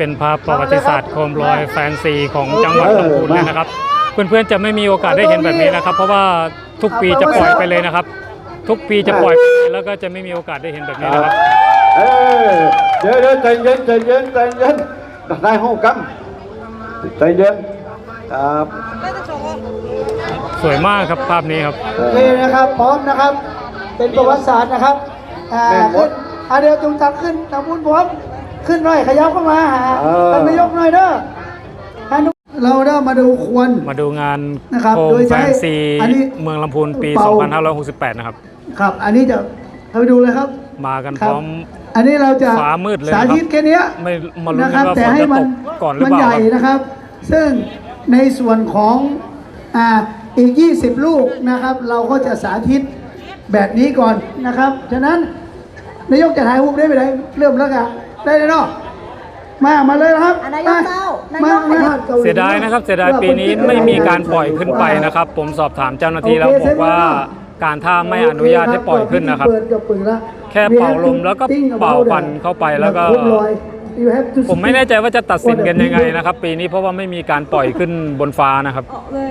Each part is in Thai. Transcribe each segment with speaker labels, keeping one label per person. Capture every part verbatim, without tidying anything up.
Speaker 1: เป็นภาพประวัติศาสตร์โคมลอยแฟนซีของจังหวัดลำพูนเลยนะครับเพื่อนๆจะไม่มีโอกาสได้เห็นแบบนี้นะครับเพราะว่าทุกปีจะปล่อยไปเลยนะครับทุกปีจะปล่อยไปแล้วก็จะไม่มีโอกาสได้เห็นแบบนี้นะครับ
Speaker 2: เออเดี๋ยวเดี๋ยวใจเย็นใจเย็นใจเย็นได้ห้องกัมใจเย็นครับ
Speaker 1: สวยมากครับภาพนี้ครับ
Speaker 3: โอเคนะครับพร้อมนะครับเป็นประวัติศาสตร์นะครับอ่าขึ้นอ่าเดี๋ยวจุงตักขึ้นตะมุนพร้อมขึ้นหน่อยขยับเข้ามาหาท่านนายกหน่อยเด้อเราได้มาดูควน
Speaker 1: มาดูงานโคมแฟนซีเมืองลำพูนปีสองพันห้าร้อยหกสิบแปดนะครับ
Speaker 3: ครับอันนี้จะไปดูเลยครับ
Speaker 1: มากันพร้อม
Speaker 3: อันนี้เราจะ
Speaker 1: ฟ้ามืดเลย
Speaker 3: สาธิตแค่นี้
Speaker 1: ไม่มาลุ้นกันว่าฝนจะตกก่อนหรือเปล่า
Speaker 3: มันใหญ่นะครับซึ่งในส่วนของอ่าอีกยี่สิบลูกนะครับเราก็จะสาธิตแบบนี้ก่อนนะครับฉะนั้นนายกจะถ่ายรูปได้ไหมได้เริ่มแล้วกันได้เลยเนาะมามาเลยนะครับ
Speaker 4: นายกเจ้านายก
Speaker 1: เสียดายนะครับเสียดายปีนี้ไม่มีการปล่อยขึ้นไปนะครับผมสอบถามเจ้าหน้าที่แล้วบอกว่าการท่าไม่อนุญาตให้ปล่อยขึ้นนะครับแค่เป่าลมแล้วก็เป่าควันเข้าไปแล้วก็ผมไม่แน่ใจว่าจะตัดสินกันยังไงนะครับปีนี้เพราะว่าไม่มีการปล่อยขึ้นบนฟ้านะครับ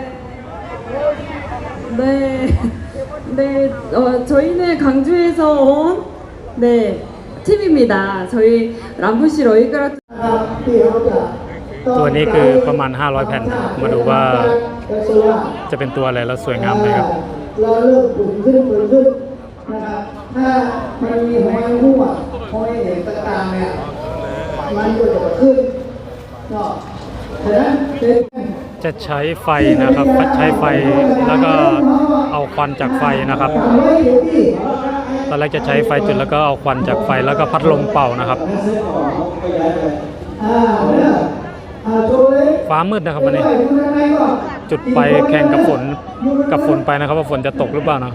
Speaker 4: 네, 네, 어, 저희는 강주에서 온 네, 팀입니다. 저희 람부시 러이그라
Speaker 1: ตัวนี้คือประมาณห้าร้อยแผ่นมาดูว่าจะเป็นตัวอะไรแล้วสวยงามไหมครับ
Speaker 3: เราเริ่มปุ่นขึ้นปุ่นขึ้นนะครับถ้ามันมีหอยหัวหอยเห็นต่างๆเนี่ยมันก็จะขึ้นเนาะฉะนั้น
Speaker 1: จะใช้ไฟนะครับใช้ไฟแล้วก็เอาควันจากไฟนะครับตอนแรกจะใช้ไฟจุดแล้วก็เอาควันจากไฟแล้วก็พัดลมเป่านะครับฟ้ามืดนะครับวันนี้จุดไปแข่งกับฝนกับฝนไปนะครับว่าฝนจะตกหรือเปล่านะ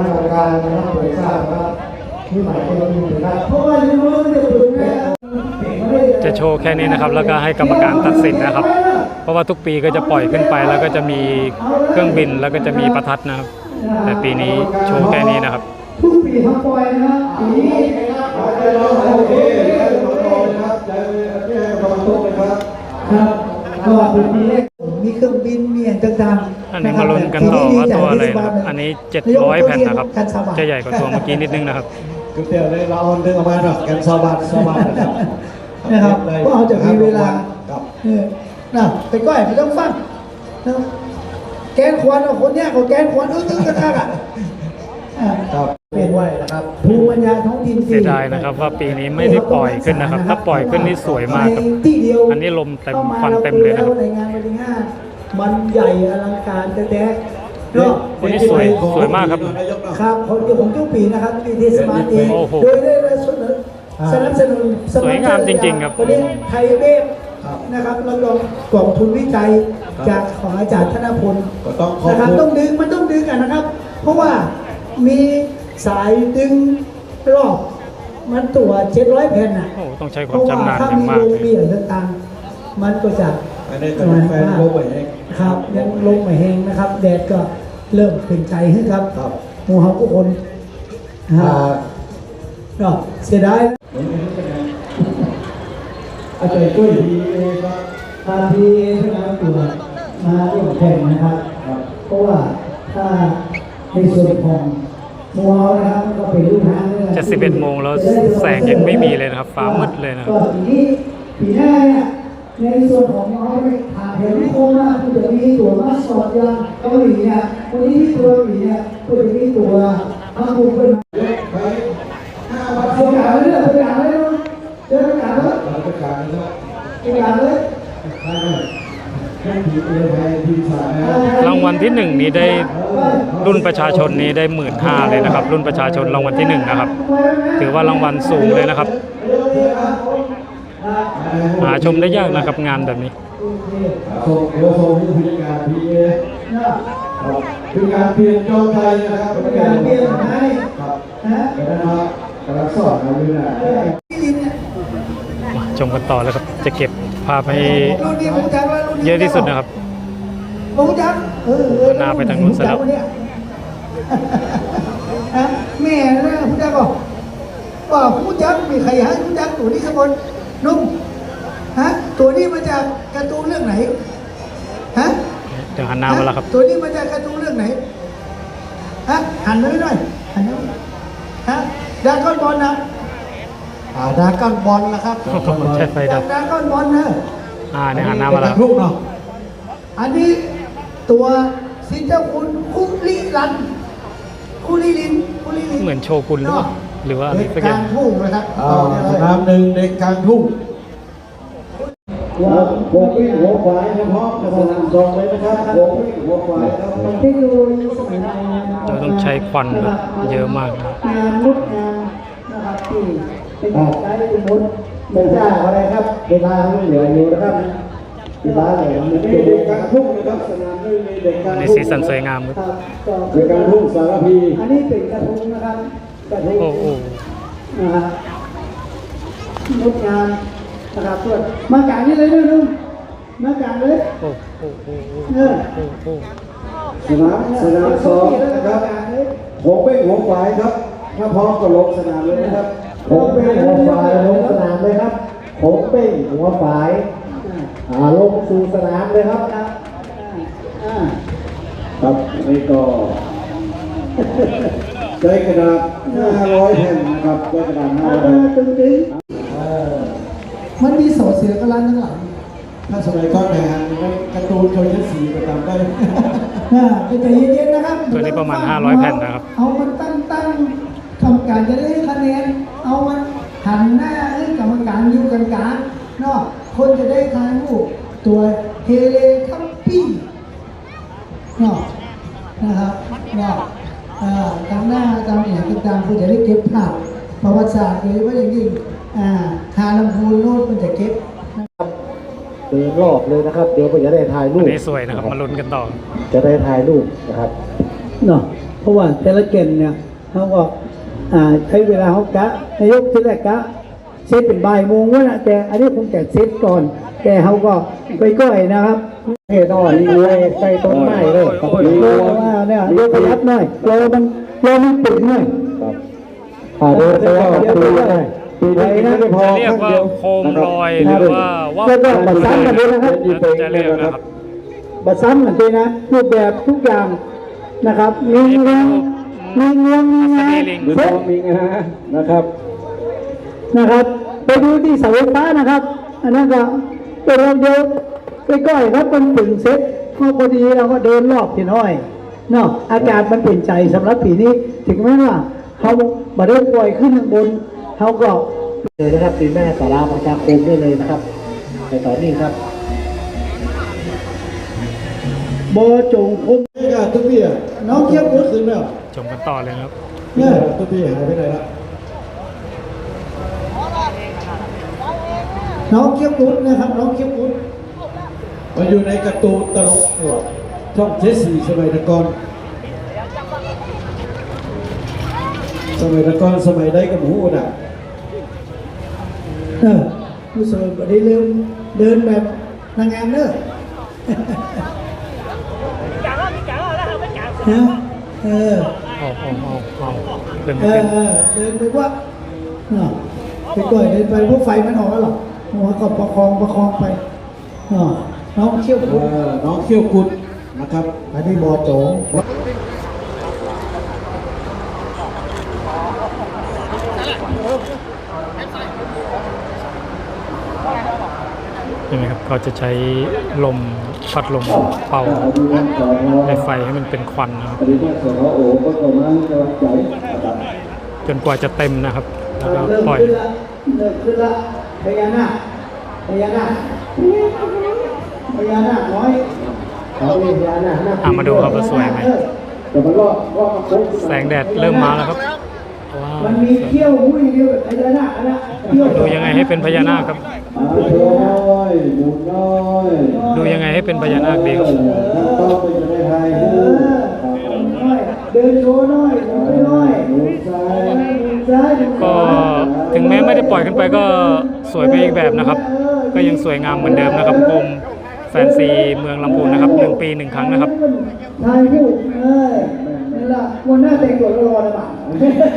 Speaker 1: จะโชว์แค่นี้นะครับแล้วก็ให้กรรมการตัดสินนะครับเพราะว่าทุกปีก็จะปล่อยขึ้นไปแล้วก็จะมีเครื่องบินแล้วก็จะมีประทัดนะครับแต่ปีนี้โชว์แค่นี้นะครับ
Speaker 3: ทุกปีทำปล่อยนะปีนี้ครับก็เป็นปีแรกมีเครื่องบินมีอย่างต่างๆ
Speaker 1: อันนี้มาลุ้นกันต่อว่าตัวอะไรนะครับอันนี้เจ็ดร้อยแผ่นนะครับจะใหญ่กว่าตัวเมื่อกี้นิดนึงนะครับ
Speaker 2: คือเดี๋ยวเลยเราเดินออกมาหน่อยกันสบัดสบัดนะครับ
Speaker 3: นะครับก็เอาจะมีเวลาน่ะไปก้อยไปต้องฟังแกนควันเอาคนเนี้ยเขาแกนควันอึ้งอึ้งกระทักอ่ะเป็นไว้นะครับภูมิปัญญาท้องถิ่น
Speaker 1: เสียดายนะครับว่าปีนี้ไม่ได้ปล่อยขึ้นนะครับถ้าปล่อยขึ้นนี่สวยมากครับอันนี้ลมเต็มควันเต็มเลยนะครับ
Speaker 3: ในงานวันที่ห้ามันใหญ่อลังการแต่แต่
Speaker 1: วันนี้สวยสวยมากครับ
Speaker 3: ครับของเกี่ยวของทุกปีนะครับปีเทศบาลเองโดยได้เสนอสนับสนุน
Speaker 1: สวยงามจริงๆครับ
Speaker 3: วันนี้ไทยเวฟนะครับเราลงกล่องทุนวิจัยจากของอาจารย์ธนพลนะครับต้องดึงมันต้องดึงกันนะครับเพราะว่ามีสายดึงรอบมันตัวเจ็ดร้อยแผ่นน่ะ
Speaker 1: ต้องใช้ความชำนาญอย่างมาก
Speaker 3: เลยมีอะไรต่างๆมันก็จะ
Speaker 2: อันนี้ก็แฟนลมไม่แห้ง
Speaker 3: ครับยังลมไม่แห้งนะครับแดดก็เริ่มเป็นใจขึ้นครับหมู่เฮาทุกคนก็เสียดายอาจารย์กุ้ยพีเอครับทางพีเอที่มาตัวมาร่วมแข่งนะครับเพราะว่าถ้าในส่วนของมัวนะครับก็เป็นลูกหาง
Speaker 1: จะสิบเอ็ดโมงแล้วแสงยังไม่มีเลยนะครับฟ้ามืดเลยนะครับ
Speaker 3: ปีนี้ปีหน้าเนี่ยในส่วนของน้องไปหาเห็นโคมนะคุณจะมีตัวมาสอดยางเกาหลีเนี่ยวันนี้ที่ตัวหลีเนี่ยคุณจะมีตัวมาบุกเป็นเสียงานเลยเสียงานเลยเสียงานเลยเสียงานเลย
Speaker 1: รางวัลที่หนึ่งนี้ได้รุ่นประชาชนนี้ได้หมื่นห้าเลยนะครับรุ่นประชาชนรางวัลที่หนึ่งนะครับถือว่ารางวัลสูงเลยนะครับหาชมได้ยากนะครับงานแบบนี้
Speaker 2: คือการเปลี่ยนโจทย์ไทยนะครับเป็นการเปลี่ยนไทยครับนะครับกำลังสอนเราอยู่นะ
Speaker 1: ชมกันต่อแล้วครับจะเก็บภาพให้เยอะที่สุดนะครับหน้าไปทางนู้นซะแล้ว
Speaker 3: แม่นะผู้จักบอกว่าผู้จักมีใครให้ผู้จักตัวนี้สักคนนุ่มฮะตัวนี้มาจากการ์ตูนเรื่องไหนฮะ
Speaker 1: เดี๋ยวหันหน้ามาแล้วครับ
Speaker 3: ตัวนี้มาจากการ์ตูนเรื่องไหนฮะหันมาหน่อยหันมาฮะดราก้อนบอลนะอ่าดราก้อนบอลนะครับ
Speaker 1: ใช้ไฟดับ
Speaker 3: ดราก้อนบอลนะ
Speaker 1: อ่าเนี่ยหันหน้ามาแล้ว
Speaker 2: ลูกเนาะ
Speaker 3: อันนี้ตัวสิเจ้าคุณคุลิลันคุลิลินคุลิลิน
Speaker 1: เหมือนโชกุนหรือเปล่าหรือว่าอะไร
Speaker 3: เด็ก
Speaker 1: สัก
Speaker 3: ก
Speaker 1: อย่า
Speaker 3: ลาง งทุ่งนะครับ
Speaker 2: อ่าสนามหนึ่งเด็กกลางทุ่งว่าโบกิ้งหัวขวายนะพร้อมกับสนามสองเลยนะครับโบกิ้งหัวขวายครับ
Speaker 3: เทคโนโลยีสมัยใหม่นะครับ
Speaker 1: เราต้องใช้ควันแบบเยอะมากนะ
Speaker 3: งานมุดงานนะครับที่เป็นการใช้มุดไม่ใช่อะไรครับเวลาไม่เหลืออยู่นะครับเวลาอะไรมัน
Speaker 2: นี่
Speaker 3: เป็น
Speaker 2: เด็กกลางทุ่งนะครับสนามหนึ่งมีเด็กกลาง
Speaker 1: ใน
Speaker 2: ทุ่ง
Speaker 1: สีสันสวยงามครับ
Speaker 3: ครับก็
Speaker 2: เด็กกลางทุ่งสารพี
Speaker 3: อันนี้เป็นกระทงนะครับกระทง
Speaker 1: โอ้โห
Speaker 3: นะฮะงดงามนะครับส่วนมากางนี่เลยด้วยนุ่มมากางเลย
Speaker 1: โอ้โหโอ้โห
Speaker 3: เออ
Speaker 1: โอ้โห
Speaker 2: สนามสนามสองนะครับผมเป็นหัวขวายครับถ้าพร้อมก็ลงสนามเลยนะครับผมเป็นหัวขวายลงสนามเลยครับผมเป็นหัวขวายอ่าลงสู่สนามเลยครับ
Speaker 3: ครับอ่า
Speaker 2: ครับนี่ก็ใช้กระดาษห้าร้อยแผ่นนะครับใช้กระดาษห้า
Speaker 3: อ่า
Speaker 2: ร้อยแผ่น
Speaker 3: ตึงตึงมันมีโสดเสือกระลันทั้งหลัง
Speaker 2: ถ้าสมัยก่อนเนี่ยการ์ตูนเขาจะสีประจำได้
Speaker 3: อ่าใจเย็นๆนะครับ
Speaker 1: ตัวนี้ประมาณห้าร้อยแผ่นนะครับ
Speaker 3: เอามันตั้งตั้งกรรมการจะได้คะแนนเอามันหันหน้าให้กรรมการอยู่กันกลางเนาะคนจะได้ทายรูปตัวเฮเลคัมปี้เนาะนะครับเนาะอ่าตามหน้าตามเนี่ยต่างๆคุณจะได้เก็บภาพประวัติศาสตร์โดยเฉพาะอย่างยิ่งอ่าคาลำพูนโน้ตมันจะเก็บ
Speaker 2: เดินรอบเลยนะครับ เดี๋ยวผมจะได้ถ่ายรู
Speaker 1: อัน
Speaker 2: ป
Speaker 1: นี้สวยนะครับ มาลุ้นกันต่อ
Speaker 2: จะได้ถ่ายรูปนะครับ
Speaker 3: เนาะเพราะว่าแต่ละเกมเนี่ยเขาก็อ่าใช้เวลาเขากะนายกที่แรกกะเซตเป็นบ่ายโมงวะนะแต่อันนี้คงจะเซตก่อน แต่เขาก็ไปก้อยนะครับเฮ้ยต้องมีไว้ใส่ต้นไม้เลย
Speaker 1: โอ้ย
Speaker 3: โลว่าเนี่ยโลประหยัดหน่อยโลมันโลมันปิดหน่อย
Speaker 2: ครับอ่าเดินไปแล้วก็ปีได้ปีนี้ไม่ได้พอ
Speaker 1: จะเรียกว่าโคมลอยหรือว่าว่า
Speaker 3: แล้วก็บัตรซ้ำกันด้วยนะครับ
Speaker 1: จะเรียกนะครับ
Speaker 3: บัตรซ้ำกันด้วยนะรูปแบบทุกอย่างนะครับมีเงี้ยมีเงี้ยมีเงี้ย
Speaker 2: มีทองมีงานะครับ
Speaker 3: นะครับไปดูที่เสาไฟฟ้านะครับ อันนั้นก็เป็นเราเดียวไปก้อยครับมันถึงเซ็ตพอพอดีเราก็เดินรอบพี่น้อยเนาะอากาศมันเปลี่ยนใจสำหรับปีนี้ถึงแม้ว่าเขามาได้ปล่อยขึ้นข้างบนเขาก็เลยนะครับปีแม่สาราประชาคมได้เลยนะครับในตอนนี้ครับโบจงคง
Speaker 2: นี่ก็ทุกพี่อ่ะ
Speaker 3: น้องเทียบกุศ
Speaker 2: ขึ้นแล้ว
Speaker 1: ชมกันต่อเลยนะครับ
Speaker 2: เนี่ยทุกพี่หายไปไหนละ
Speaker 3: น้องเทียบกุศนะครับน้องเทียบกุศ
Speaker 2: มาอยู่ในการ์ตูนตลกช่องเจสซี่สมัยตะกอนสมัยตะกอนสมัยได้กับหมูน่ะ
Speaker 3: เออผู้สมัยได้เริ่มเดินแบบนางงามเนอะนะเออ
Speaker 1: เอาเอาเอาเอาเดินไป
Speaker 3: เออ
Speaker 1: เต้น
Speaker 3: เออเดินไปว่าเนาะไปก่อยเดินไปพวกไฟมันออกแล้วหรอหัวก็ประคองประคองไปเนาะน้องเชี่ยว
Speaker 2: เอ
Speaker 3: กุด
Speaker 2: อน้องเขี้ยวกุดนะครับ
Speaker 3: อันนี้บอโจง
Speaker 1: เห็นไหมครับเขาจะใช้ลมพัดลมเป่าในไฟให้มันเป็นควันนะครับ
Speaker 2: ปฏิบัติสโอก็ประมาณจะใหญ่นะครับ
Speaker 1: จนกว่าจะเต็มนะครับ แล้วก็
Speaker 3: เริ่ม
Speaker 1: ปล่อย
Speaker 3: ขึ้นละเริ่มขึ้นละพญานาคพญานาคพญานาคน้อยเขาเรียกพญานาคนาค
Speaker 1: อ่ะมาดูครับว่าสวยไหม
Speaker 2: แต่มันก็ก็มาโค้ง
Speaker 1: แสงแดดเริ่มมาแล้วครับว้าว
Speaker 3: มันมีเขี้ยวหุ้ยเดียวแบบพญานาคนะเขี้ยว
Speaker 1: ดูยังไงให้เป็นพญานาคครับ
Speaker 2: อ่าน้อยหมุนน้อย
Speaker 1: ดูยังไงให้เป็นพญานาคดีครับ
Speaker 2: ถ้าต้องไปจะได้ไทย
Speaker 3: เอ
Speaker 2: คู่
Speaker 3: อน้อยเดินโชว์น้อยหมุนไปน้อย
Speaker 2: หมุนซ้าย
Speaker 3: หมุนซ้ายหมุนข
Speaker 1: ก็
Speaker 3: วา
Speaker 1: ถึงแม้ไม่ได้ปล่อยขึ้นไปก็สวยไปอีกแบบนะครับ ก็ยังสวยงามเหมือนเดิมนะครับกรมแฟนซีเมืองลำพูนนะครับหนึ่งปีหนึ่งครั้งนะครับ
Speaker 3: ถ่ายรูปเอ้ยนี่ละวันหน้าแต่งตัวรอเลยป่ะ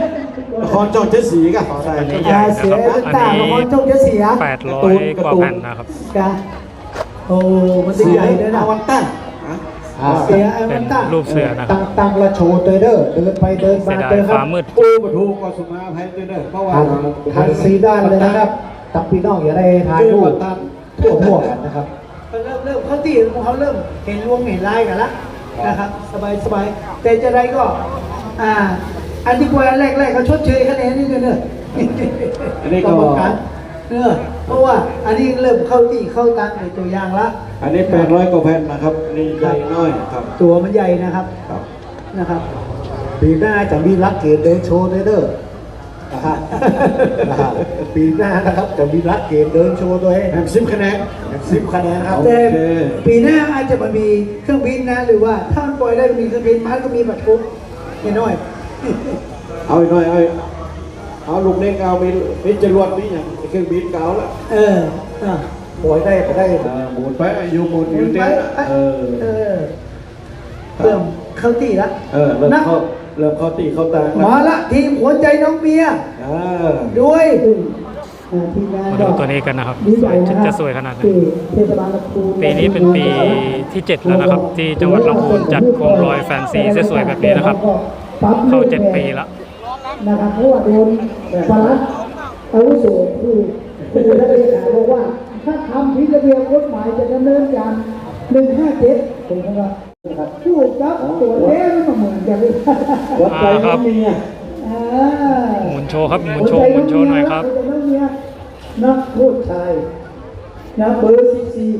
Speaker 2: นครจอมเจ็ดสีกันใช่
Speaker 1: อันนี้ใหญ่
Speaker 3: เสีย
Speaker 1: นะครับ
Speaker 3: ต่าง
Speaker 1: อันนี้
Speaker 3: ของจงจะเสีย
Speaker 1: แปดร้อยกว่าแผ่นนะครับ
Speaker 3: กะโอ้มันจะใหญ่เลยนะ
Speaker 2: วันตั้ง
Speaker 3: เสียไอ้
Speaker 1: เป็
Speaker 3: มัน นตั้ง
Speaker 1: รูปเสือนะค
Speaker 3: ตั้
Speaker 1: รับ
Speaker 3: งตั้งละโชว์เตอร์เดอร์เดินไปเดิน
Speaker 1: เสี
Speaker 3: มาย
Speaker 1: ดาย
Speaker 3: เดินค
Speaker 1: ฟ้า
Speaker 3: รับ
Speaker 1: มืด
Speaker 2: ปูปะทูก็สุมาภัยเด้อเพราะว่า
Speaker 3: ทันซีด้านเลยนะครับตับพี่น้องอย่าได้ถ่ายรูปทั่วทั่วกันนะครับเริ่มเริ่มเขาตีเขาเริ่มเห็นวงเห็นลายกันละนะครับสบายสบายแต่จะได้ก็อ่าอันที่กว่าแรกๆเขาชดเชยคะแนนนี่กันเนอะ
Speaker 2: อันนี้
Speaker 3: กร
Speaker 2: ก็
Speaker 3: รมการเนอะเพราะว่าอันนี้เริ่มเข้าตีเข้าตังในตัวอย่างละ
Speaker 2: อันนี้แปดร้อยกว่าแผ่นนะครับนี่ใหญ่น้อยครับ
Speaker 3: ตัวมันใหญ่นะครับ
Speaker 2: ครับ
Speaker 3: นะครับปีหน้าจะมีรักเกตเดินโชว์ด้วยเด้อนะฮะนะฮะปีหน้านะครับจะมีรักเกตเดินโชว์ด้วย
Speaker 2: แผ่นสิบคะแนน
Speaker 3: สิบคะแนนนะครับ
Speaker 2: โอ
Speaker 3: แต่
Speaker 2: เค
Speaker 3: ปีหน้าอาจจะมามีเครื่องบินนะหรือว่าถ้ามันปล่อยได้ก็มีเครื่องบินมันก็มีบัตรทุกน้อย
Speaker 2: เอาอีกหน่อยเอาอีกเอาลูกเล็กเอามีมีจรวดมีอย่างเครื่องบินเก่าละ
Speaker 3: ๆเอออ่ะปล่อยได้ก็ได้
Speaker 2: เออหมุนไปอยู่หมุนอยู่เต้นเออ
Speaker 3: เออเริ่มเข้าตีละ
Speaker 2: เออเริ่มเข้าเริ่มเข้าตีเข้าตา
Speaker 3: มาละทีมหัวใจน้องเมีย
Speaker 2: เออ
Speaker 3: ด้วยทีมงาน
Speaker 1: มา
Speaker 3: ก็
Speaker 1: ดูตัวนี้กันนะครับ
Speaker 3: ดี
Speaker 1: ส
Speaker 3: ใจ
Speaker 1: วย
Speaker 3: นะครับ
Speaker 1: จะสวยขนาดไหน
Speaker 3: ที่เทศบาลลำพูน
Speaker 1: ปีนี้เป็นปีที่เจ็ดแล้วนะครับ ที่จังหวัดลำพูนจัดโคมลอยแฟนซีสวยๆแบบนี้นะครับ เข้าเจ็ดปีแล้ว
Speaker 3: นะครับเพราะว่าโดนปลัดอาวุโสคือคือท่านเลขาบอกว่า ถ้าทำผิดระเบียบกฎหมายจะดำเนินการหนึ่งห้าเจ็ดถูกไหมครับพูดครับตัวเล่นมาเหมือนกันเลย
Speaker 2: วัดใจน้องเมีย
Speaker 3: อ่า
Speaker 1: หมุนโชว์ครับหมุนโชว์หมุนโชว์หน่อยครับ
Speaker 3: นักโทษชายนะเบอร์สิบสี่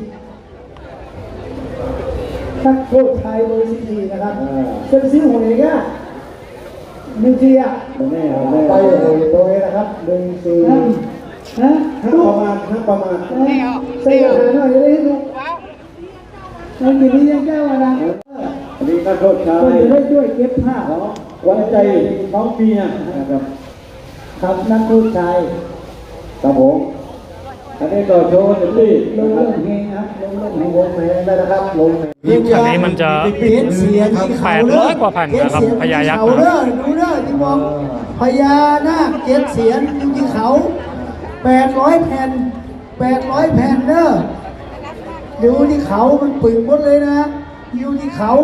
Speaker 3: นักโทษชายเบอร์สิบสี่นะครับเซนซิหัวเองอะหนึ่งสี่อะ
Speaker 2: แม่เอาแม่
Speaker 3: ไปโอ้ยตัวเองนะครับหนึ่งสี่ฮะ
Speaker 2: ห้าประมาณห้าประมาณ
Speaker 3: ใส่อาหารหน่อยจะได้ให้ดูมันอยู่นี่ยังแก้วนะ
Speaker 2: อันนี้ก็โทษชา
Speaker 3: ก็
Speaker 2: ย
Speaker 3: จะได้ช่วยเก็บผ้า
Speaker 2: วัดใจน้องเมียนะครับ
Speaker 3: ครับนักโทษชาย
Speaker 2: ครับผมอันนี้ก็โชว์เต็มที่
Speaker 3: ลงเรื่องเพลงครับลงเรื่องเพลงวงเพลงได้นะครับลงเพลง
Speaker 1: อันนี้มันจะ
Speaker 3: เขียนเสียงที่เขา
Speaker 1: แปดร้อยกว่าแผ่นนะครับพญายักษ์
Speaker 3: เขาเด้อดูเด้อที่มองพญานาคเจ็ดเสียงอยู่ที่เขาแปดร้อยแผ่นแปดร้อยแผ่นเด้อดูที่เขามันปึกหมดเลยนะอยู่ที่เขา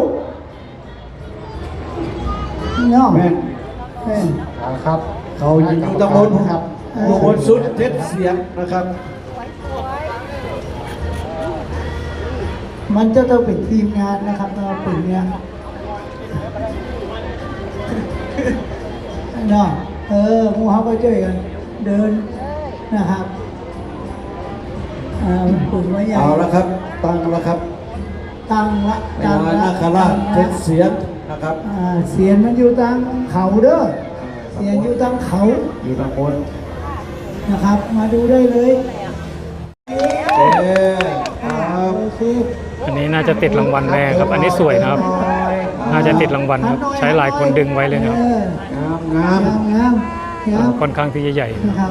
Speaker 3: เนาะ
Speaker 2: แม่น
Speaker 3: แม่น
Speaker 2: ครับ
Speaker 3: เขายิง
Speaker 2: ตำบลครับอยู่บนสุดเจ็ดเสียงนะครับ
Speaker 3: มันจะต้องเป็นทีมงานนะครับเราเป็นเนี้ยเนาะเออหมูเขาก็ช่วยกันเดินนะครับอ่ามันปึกไว้ใหญ่
Speaker 2: เอาละครับ ตั้งแล้วครับ
Speaker 3: ตั้งละ
Speaker 2: พญานาคราชเจ็ดเสียงนะครับ
Speaker 3: อ่าเสียงมันอยู่ตั้งเขาเด้อเสียงอยู่ตั้งเขา
Speaker 2: อยู่ตำบล
Speaker 3: นะครับ มาดูได้เลย
Speaker 2: เอ๊ครับ
Speaker 3: โอเค
Speaker 1: อันนี้น่าจะติดรางวัลแน่ครับ อันนี้สวยนะครับ น่าจะติดรางวัลครับใช้หลายคนดึงไว้เลยนะครับ
Speaker 3: ออง
Speaker 2: ามงาม
Speaker 3: งามงามงาม
Speaker 1: ค่อนข้างที่จะใหญ่
Speaker 3: นะครับ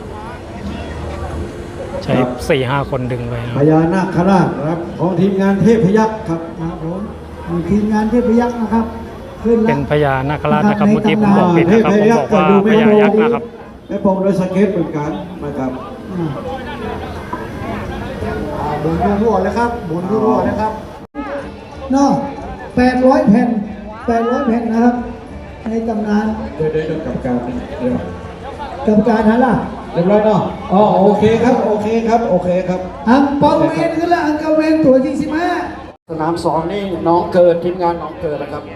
Speaker 1: ใช้สี่ห้าคนดึงไว้นะค
Speaker 2: พ
Speaker 1: รับ
Speaker 2: ญานาคราชนะครับของทีมงานเทพยักษ์ครับ
Speaker 3: ครับผมมีทีมงานเทพยักษ์นะครับขึ้น
Speaker 1: เป็
Speaker 3: ละ
Speaker 1: นพญานาคราชนะครับ เมื่อกี้ผมบอกผิดนะครับผมบอกว่าพญายักษ์นะครับ
Speaker 2: แม่ปองโดยสเก็ตเหมือนกันนะครับ
Speaker 3: อ่าอ่าหมุนรั่วๆเลยครับหมุนรั่วๆเลยครับเนาะแปดร้อยแผ่นแปดร้อยแผ่นนะครับ ในตำนาน
Speaker 2: เดี๋ยวเดี๋ยวกับการเดี๋ยว
Speaker 3: กรรมการฮันล่ะ
Speaker 2: เรียบร้อยเนาะอ๋อโอเคครับโอเคครับโอเคครับ
Speaker 3: อังเปาเวนขึ้นละอังเกาเวนตัวที่สิบห้า
Speaker 2: สนามสองนี่น้องเกิดทีมงานน้องเกิดนะครับ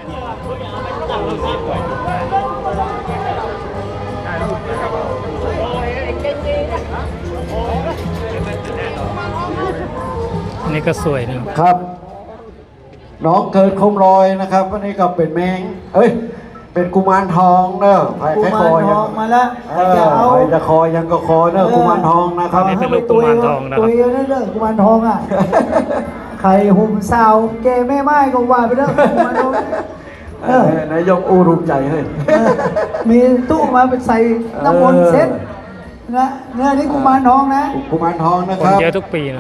Speaker 1: อันนี้ก็สวยนะครับ
Speaker 2: ครับ น้องเกิดคมลอยนะครับวันนี้ก็เป็นแมงเอ้ยเป็นกุมารทองเนอะไผ่
Speaker 3: กุ
Speaker 2: ไข่
Speaker 3: มา
Speaker 2: ค
Speaker 3: ร
Speaker 2: อ
Speaker 3: ท
Speaker 2: ยั
Speaker 3: องมาแล้ว
Speaker 2: เออไผ่จะคอยังก็คอเนอะกุมารทองนะครับ
Speaker 1: อันนี้เป็นรูปกุมารทองนะครับ
Speaker 3: ตัวเองนั่นเด้อกุมารทองอ่ะไข่หุ่มสาวแกแม่ไม้ก็ว่าไปเด้อกุมารทอง
Speaker 2: เออนายกอูรุใจเฮ้ย
Speaker 3: เออมีตู้มาเป็นใส่น้ำมนต์เซ็ตนะเนี่ยนี่กุมารทองนะ
Speaker 2: กุมารทองนะ
Speaker 1: ค
Speaker 2: คน รับ
Speaker 1: เยอะทุกปีนะครับ
Speaker 3: ค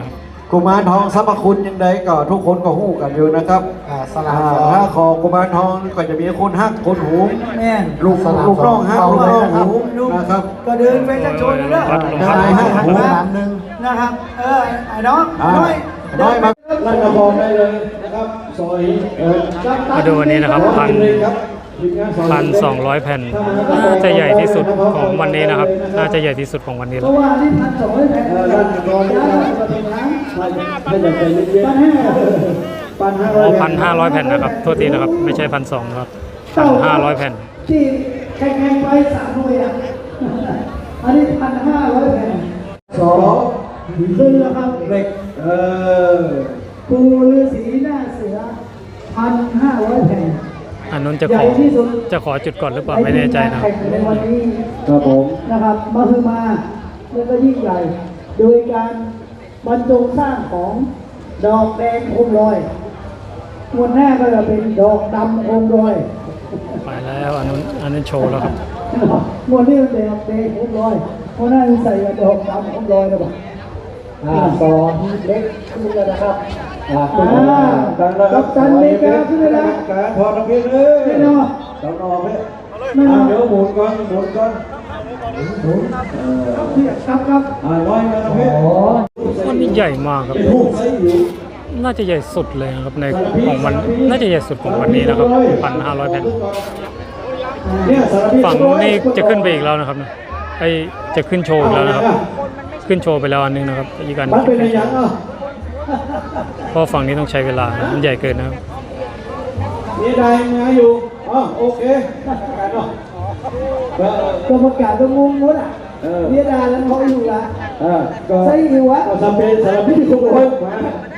Speaker 2: กุมารทองสรรพคุณยังไงก็ทุกคนก็ฮู้กันอยู่นะครับ
Speaker 3: อ่าสลา
Speaker 2: อ่า
Speaker 3: สอง
Speaker 2: ถ้าคอกุมารทองก็จะมีคนฮักคนหู
Speaker 3: แม่น
Speaker 2: ลูกลูกน้องฮักลูกน้องหู
Speaker 3: ลูก
Speaker 2: นะครับ
Speaker 3: ก็เดินไปจะชนเด้อ
Speaker 2: ได้ฮักหู
Speaker 3: หนึ่งนะครับ เออไอ้น้อง
Speaker 2: อ่า
Speaker 3: น้อย
Speaker 2: น้อยมาลั่นกระบอกได้เลยนะครับซอยเออ
Speaker 1: มาดูอันนี้นะครับพัน พันสองร้อยแผ่นน่าจะใหญ่ที่สุดของวันนี้นะครับ น่าจะใหญ่ที่สุดของวันนี้
Speaker 3: เพ
Speaker 1: แล้ว
Speaker 3: ราะว่านี่พันสองร้อยแผ่น
Speaker 2: เออลั่นกระบอกได้เลยถ้าอยากใจเย็นๆปันห้าร้อย
Speaker 1: พันห้าร้อยแผ่นนะครับโทษทีนะครับไม่ใช่พันสองครับพันห้าร้อยแผ่น
Speaker 3: ที่แข่งๆไปสามหน่วยอ่ะอันนี้พันห้าร้อยแผ่น
Speaker 2: สอง
Speaker 3: ซึ่งนะครับ
Speaker 2: เหล็กเออ
Speaker 3: ปูฤาษีหน้าเสือพันห้าร้อยแผ่น
Speaker 1: อันนั้นจะ
Speaker 3: ให
Speaker 1: ข
Speaker 3: ญ่
Speaker 1: อ
Speaker 3: ที่สุด
Speaker 1: จะขอจุดก่อนหรือเปล่าไม่แน่ใจนะค
Speaker 3: แข่
Speaker 1: รับ
Speaker 3: งในวันนี้
Speaker 2: ครับผม
Speaker 3: นะครับมาคือมาแล้วก็ยิ่งใหญ่ โดยการบรรจงสร้างของดอกแดงโคมลอยมวนหน้าก็จะเป็นดอกดำโคมลอย
Speaker 1: ไปแล้วอันนั้นอันนั้นโชว์แล้วครับ
Speaker 3: มวนนี่มันเป็นดอกแดงโคมลอยเพราะหน้ามันใส่ดอกดำโคมลอยนะบอก
Speaker 2: อ่าสองเล็กขึ้นแล้วนะครับอ่า
Speaker 3: อ่า
Speaker 2: ดังแล้วค
Speaker 3: กั
Speaker 2: รั
Speaker 3: บบ ตันเมกาขึ้นเลยนะ
Speaker 2: การพอน้ำเพชรเลย
Speaker 3: ไม่นอน
Speaker 2: ต้องนอนเลย
Speaker 3: ไม่นอน
Speaker 2: เดี๋ยวหมุนก่อนหมุนก่อนหมุนเออ
Speaker 3: ครับครับ
Speaker 2: อ่าร้อยมาน้ำเพชร
Speaker 1: วันนี้ใหญ่มากครับ
Speaker 2: เป็นหูไส้อยู่
Speaker 1: น่าจะใหญ่สุดเลยนะครับในของวันน่าจะใหญ่สุดของวันนี้นะครับพันห้าร้อยแผ่น
Speaker 2: เนี่ยสารพิษ
Speaker 1: ฝั่งนู้นนี่จะขึ้นไปอีกแล้วนะครับนะไอจะขึ้นโชว์อีกแล้วนะครับ ขึ้นโชว์ไปแล้วอันนึงนะครับอีกอัน
Speaker 2: มันเป็นอะไรยังอ่ะ
Speaker 1: เพราะฝั่งนี้ต้องใช้เวลานะมันใหญ่เกินนะครับ
Speaker 2: มีใดมาอยู่อ๋อโอเคกันเนาะเออ
Speaker 3: ก็ประกาศก็งงหมดอ่ะ
Speaker 2: เออ
Speaker 3: เรียดาแล้วเขาอยู่ละ
Speaker 2: เออก็
Speaker 3: ใส่อยู่วะ
Speaker 2: ก็จำเป็นสารพิษทุกคนมา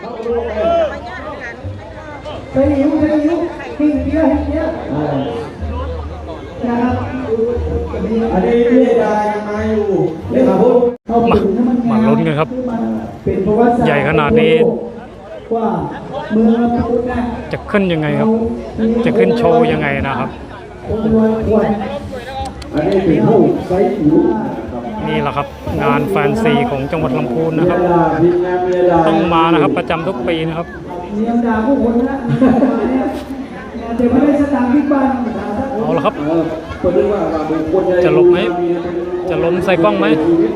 Speaker 3: ใส่อยู่ใส่อยู่หิ้งเดียวหิ้งเดียว
Speaker 2: อ่า
Speaker 3: นะครับ
Speaker 2: อันนี้เรียกได้มาอยู่เรียกมาพูด
Speaker 3: เอาไปดูให้มัน
Speaker 1: มาลุ้นกันครับ
Speaker 3: เป็นประวัติศาสตร์
Speaker 1: ใหญ่ขนาดนี้
Speaker 3: ว่าเมืองลำพูนนะ
Speaker 1: จะขึ้นยังไงครับ จะขึ้นโชว์ยังไงนะครับ
Speaker 3: องค์รวยควร
Speaker 2: อันนี้เป็นผู้ไซส์อยู่นะครับ
Speaker 1: นี่แหละครับ งานแฟนซีของจังหวัดลำพูนนะครับ
Speaker 2: เวลาทีมงานเวลา
Speaker 1: ต้องมานะครับประจำทุกปีนะครับ
Speaker 3: เนียมด่าผู้คนนะเนี่ยเดี๋ยวไม่ได้สตางค์ที่บ้าน
Speaker 1: เอาละครับ
Speaker 2: เออคนนึกว่าว่าเป็นคนใหญ่
Speaker 1: จะลบไหมจะล้มใส่กล้องไหม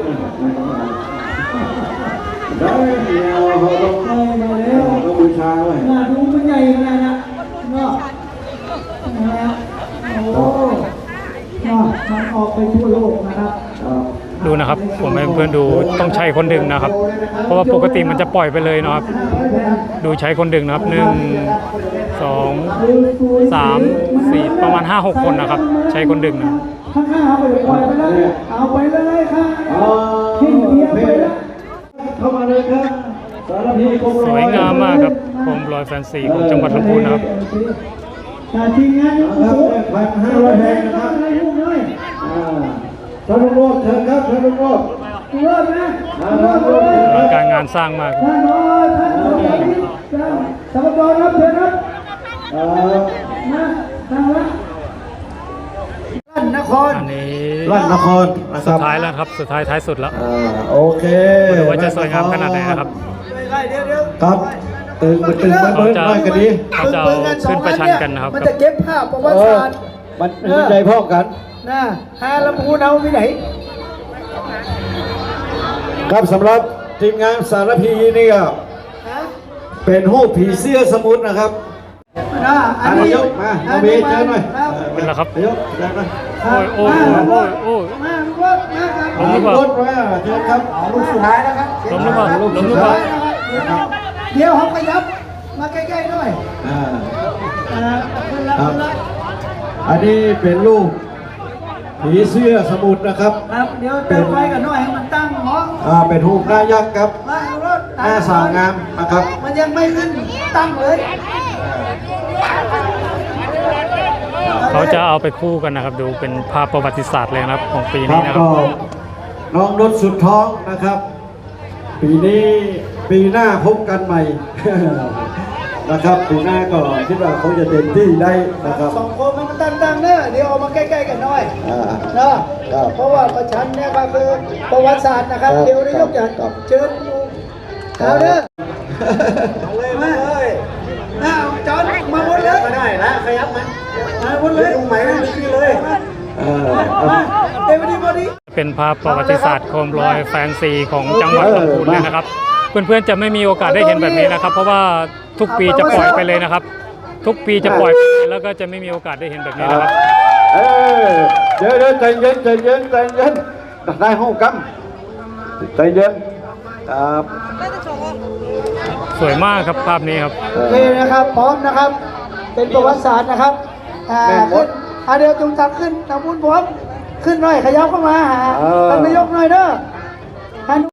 Speaker 2: ได้เดียวเขาต้อง
Speaker 3: ได้มาแล้ว
Speaker 2: ต้องบูชาไว้
Speaker 3: งานดูมันใหญ่ขนาดนั้นเนาะนะโอ้เนาะมันออกไปทั่วโลกนะครับ
Speaker 1: ดูนะครับ ผมให้เพื่อนดูต้องใช้คนดึงนะครับ เพราะว่าปกติมันจะปล่อยไปเลยนะครับ ดูใช้คนดึงนะครับหนึ่งสองสามสี่ประมาณห้าหกคนนะครับ ใช้คนดึงนะ
Speaker 3: ข้างๆเอาไปปล่อยไปแล้วเอาไปเลยค่ะ
Speaker 2: อ๋อ
Speaker 3: ทิ้งเดียวไปแล้ว
Speaker 2: เข้ามาเลยครับสารพีคง
Speaker 1: สวยงามมากครับโคมลอยแฟนซีของจังหวัดลำพูนนะครับ
Speaker 3: ทีมงาน
Speaker 2: ครับพันห้าร้อยแพงนะครับ
Speaker 3: อะไรพวกนี้
Speaker 2: อ่าท่านลุงโรดเชิญครับท่านลุงโรด
Speaker 3: เริ่มนะเริ่มเลย
Speaker 1: อลังการงานสร้างมากครับ
Speaker 3: ท่านรอท่านรอสมบัติครับเชิญครับ
Speaker 2: เอ่อ
Speaker 3: มาทางละลั่นนคร
Speaker 1: อันนี้
Speaker 2: ลั่นนครนะค
Speaker 1: สุ
Speaker 2: รั
Speaker 1: ด
Speaker 2: บ
Speaker 1: ท้ายแล้วครับสุดท้ายท้ายสุดแล้ว
Speaker 2: อ่าโอเค
Speaker 1: ดูว่าจะสวยงามขนาดไหนนะครับ
Speaker 3: เดี๋ยวเดี๋ยว
Speaker 2: ครับตึงมันตึงมันเบิ้ลน้อยกันดี
Speaker 1: เขาจะเอาขึ้นประชันกันนะครับ
Speaker 3: มันจะเก็บภาพประวั
Speaker 2: เอ
Speaker 3: ติ
Speaker 2: อ
Speaker 3: ศาสตร์
Speaker 2: มันมันใจพ่อกัน
Speaker 3: นะฮาลำพูนเอาที่ไหน
Speaker 2: ครับสำหรับทีมงานสารพีนี่ก็
Speaker 3: ฮะ
Speaker 2: เป็นหูปผีเสื้อสมุทรนะครับ
Speaker 3: นะอั
Speaker 2: อั
Speaker 3: น
Speaker 2: น
Speaker 3: นี้
Speaker 2: นี้ยกมาเอาเบสเจอหน่อย
Speaker 3: ครับ
Speaker 1: เป็นแล้วครับ
Speaker 2: ยกเจอหน่อย
Speaker 1: โอ้ยโอ้ยโอ้ยโอ้ย
Speaker 3: มาลูกรถมาครับ
Speaker 1: ล้มหรือเปล่า
Speaker 2: รถไว้อ่ะเชิญครับ
Speaker 3: ลูกสุดท้ายนะครับ
Speaker 1: ล้มหรือเปล่าล้มหรือเปล่า
Speaker 3: เดี๋ยวเขาขยับมาใกล้ๆหน่อย
Speaker 2: อ่า
Speaker 3: อ่าขึ้นละ
Speaker 2: ครับ
Speaker 3: ขึ้นละ
Speaker 2: อันนี้เป็นรูปผีเสื้อสมุทรนะครับ
Speaker 3: ครับเดี๋ยวเติมไฟกันหน่อยให้มันตั้งหมอ
Speaker 2: อ่าเป็นรูปหน้ายักษ์ครับ
Speaker 3: มาลูกรถ
Speaker 2: หน้าสาวงามนะครับ
Speaker 3: มันยังไม่ขึ้นตั้งเลย
Speaker 1: เขาจะเอาไปคู่กันนะครับ ดูเป็นภาพประวัติศาสตร์เลยนะครับของปี
Speaker 2: ครั
Speaker 1: นี้
Speaker 2: บ
Speaker 1: นะครั
Speaker 2: ก็
Speaker 1: บ
Speaker 2: น้องรถสุดท้องนะครับ ปีนี้ปีหน้าพบกันใหม่ นะครับปีหน้าก็คิดว่าคงจะเต็มที่ได้นะครับ
Speaker 3: สองคนมันตั้งตั้งๆเนอะเดี๋ยวเอามาใกล้ๆกันหน่อย
Speaker 2: อ่า
Speaker 3: เนอะ
Speaker 2: ครับ
Speaker 3: เพราะว่าประชันเนี่ยก็คือประวัติศาสตร์นะครับ
Speaker 2: ครับ
Speaker 3: เดี๋ยวนายกจะ
Speaker 2: ครับ
Speaker 3: เชิญดูเอาเด้อเอาเลยมาเลยเอาจอนมาบนเลยมาได้นะขยับมันมาบนเลยดูไหมนะคือเลยมาเดี๋ยวดีพอดี
Speaker 1: เป็นภาพประวัติศาสตร์โคมลอยแฟนซีของจังหวัดลำพูนเลยนะครับ เพื่อนๆจะไม่มีโอกาสได้เห็นแบบนี้นะครับ เพราะว่าทุกปีจะปล่อยไปเลยนะครับ ทุกปีจะปล่อยไปแล้วก็จะไม่มีโอกาสได้เห็นแบบนี้นะครับ
Speaker 2: เออเดี๋ยวเดี๋ยวใจเย็นใจเย็นใจเย็นได้ห้องกำใจเย็นครับ
Speaker 1: สวยมากครับภาพนี้ครับ
Speaker 3: โอเคนะครับพร้อมนะครับ เป็นประวัติศาสตร์นะครับอ่าขึ้นอ่าเดี๋ยวจุงตักขึ้นนำบุญพร้อมขึ้นหน่อยขยับเข้ามาหาท่านนายกหน่อยเด้อ